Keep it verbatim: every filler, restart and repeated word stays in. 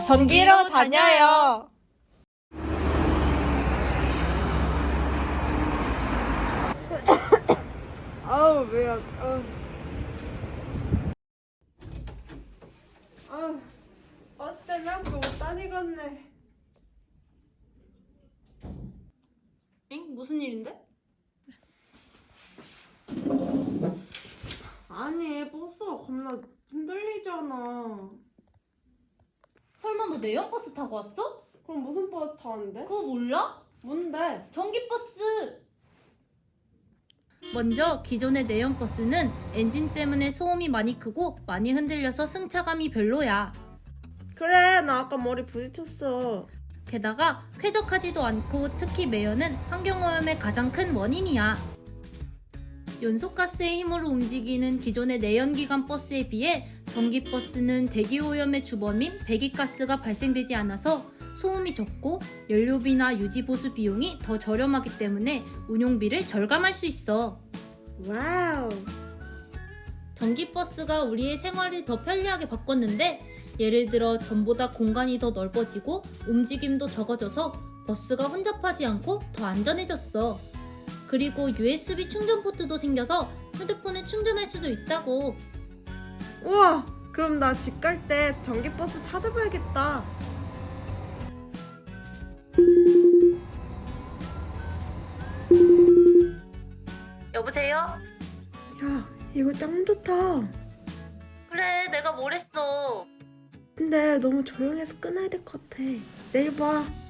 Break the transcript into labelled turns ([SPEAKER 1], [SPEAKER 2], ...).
[SPEAKER 1] 전기로 다녀요.
[SPEAKER 2] 아우 왜요? 아우. 아우. 버스 때문에 학교 못 다니겠네.
[SPEAKER 3] 엥? 무슨 일인데?
[SPEAKER 2] 아니 버스가 겁나 흔들리잖아.
[SPEAKER 3] 설마 너 내연버스 타고 왔어?
[SPEAKER 2] 그럼 무슨 버스 타는데?
[SPEAKER 3] 그거 몰라?
[SPEAKER 2] 뭔데?
[SPEAKER 3] 전기버스! 먼저 기존의 내연버스는 엔진 때문에 소음이 많이 크고 많이 흔들려서 승차감이 별로야.
[SPEAKER 2] 그래 나 아까 머리 부딪혔어.
[SPEAKER 3] 게다가 쾌적하지도 않고 특히 매연은 환경오염의 가장 큰 원인이야. 연소가스의 힘으로 움직이는 기존의 내연기관 버스에 비해 전기버스는 대기오염의 주범인 배기가스가 발생되지 않아서 소음이 적고 연료비나 유지보수 비용이 더 저렴하기 때문에 운용비를 절감할 수 있어.
[SPEAKER 2] 와우.
[SPEAKER 3] 전기버스가 우리의 생활을 더 편리하게 바꿨는데 예를 들어 전보다 공간이 더 넓어지고 움직임도 적어져서 버스가 혼잡하지 않고 더 안전해졌어. 그리고 유에스비 충전 포트도 생겨서 휴대폰에 충전할 수도 있다고.
[SPEAKER 2] 우와 그럼 나 집 갈 때 전기버스 찾아봐야겠다.
[SPEAKER 3] 여보세요?
[SPEAKER 2] 야 이거 짱 좋다.
[SPEAKER 3] 그래, 내가 뭘 했어.
[SPEAKER 2] 근데 너무 조용해서 끊어야 될 것 같아. 내일 봐.